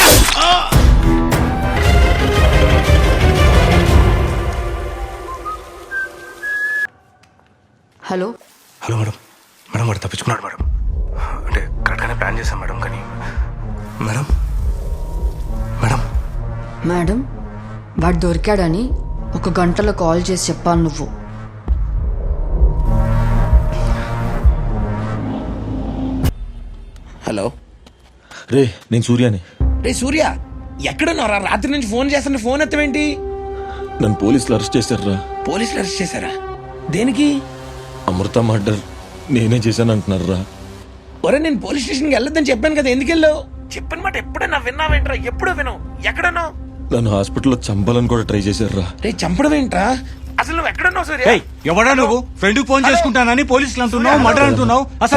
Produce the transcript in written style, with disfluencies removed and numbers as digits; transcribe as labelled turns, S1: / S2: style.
S1: Hello
S2: hello madam. Madam వాడు తప్పించుకున్నాడు madam. అంటే కరెక్ట్గానే ప్లాన్ చేశాం మేడం. కానీ మేడం మేడం
S1: మేడం వాడు దొరికాడని 1 గంటలో కాల్ చేసి చెప్పాను నువ్వు.
S3: హలో
S4: రే నేను సూర్యాని.
S3: రే సూర్య ఎక్కడున్నారా? రాత్రి నుంచి ఫోన్ చేస్తున్న ఫోన్ ఎత్తవేంటి?
S4: నన్ను పోలీసులు అరెస్ట్ చేశారా?
S3: పోలీసులు అరెస్ట్ చేశారా? దేనికి?
S4: అమృత మర్డర్ నేనే చేశాను అంటున్నారా?
S3: ఒరే నేను పోలీస్ స్టేషన్కి వెళ్ళొద్దని చెప్పాను కదా, ఎందుకు వెళ్ళావు? చెప్పిన మాట ఎప్పుడైనా విన్నావేంట్రా? ఎప్పుడూ వినవు. ఎక్కడున్నావు?
S4: నన్ను హాస్పిటల్లో చంపాలని కూడా ట్రై చేశారా?
S3: రే చంపడం ఏంట్రా? అసలు నువ్వు ఎక్కడున్నావు సూర్య?
S5: ఎవడా నువ్వు? ఫ్రెండ్ ఫోన్ చేసుకుంటానని పోలీసులు అంటున్నావు, మర్డర్ అంటున్నావు. అసలు